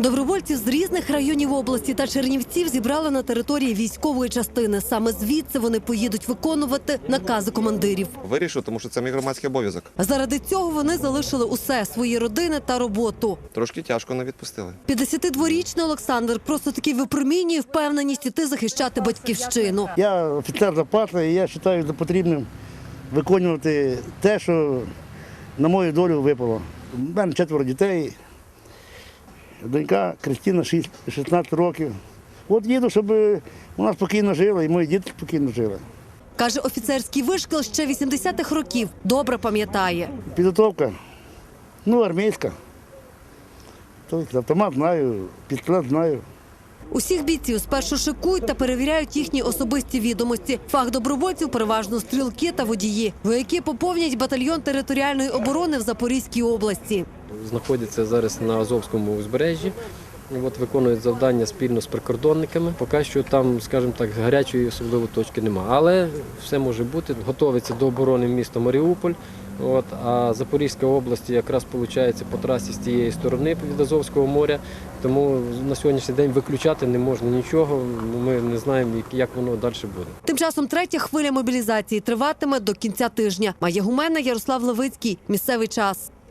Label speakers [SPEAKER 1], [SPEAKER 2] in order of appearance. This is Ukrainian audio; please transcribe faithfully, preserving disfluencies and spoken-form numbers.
[SPEAKER 1] Добровольців з різних районів області та Чернівців зібрали на території військової частини. Саме звідси вони поїдуть виконувати накази командирів.
[SPEAKER 2] Вирішив, тому що це мій громадський обов'язок.
[SPEAKER 1] Заради цього вони залишили усе – свої родини та роботу.
[SPEAKER 2] Трошки тяжко не відпустили.
[SPEAKER 1] п'ятдесятидворічний Олександр просто таки випромінює впевненість іти захищати батьківщину.
[SPEAKER 3] Я офіцер запасу, і я вважаю за потрібним виконувати те, що на мою долю випало. У мене четверо дітей, донька Кристина шістнадцять років. От їду, щоб вона спокійно жила і мої діти спокійно жили.
[SPEAKER 1] Каже, офіцерський вишкіл ще вісімдесятих років добре пам'ятає.
[SPEAKER 3] Підготовка, ну, армійська. Тобто автомат знаю, пістолет знаю.
[SPEAKER 1] Усіх бійців спершу шикують та перевіряють їхні особисті відомості. Фах добровольців переважно стрілки та водії. Вояки поповнять батальйон територіальної оборони в Запорізькій області.
[SPEAKER 4] Знаходяться зараз на Азовському узбережжі. От виконують завдання спільно з прикордонниками. Поки що там, скажімо так, гарячої особливо точки немає. Але все може бути. Готовиться до оборони міста Маріуполь. От, а Запорізька область якраз виходить по трасі з тієї сторони від Азовського моря. Тому на сьогоднішній день виключати не можна нічого. Ми не знаємо, як воно далі буде.
[SPEAKER 1] Тим часом третя хвиля мобілізації триватиме до кінця тижня. Має Гумена, Ярослав Левицький. Місцевий час.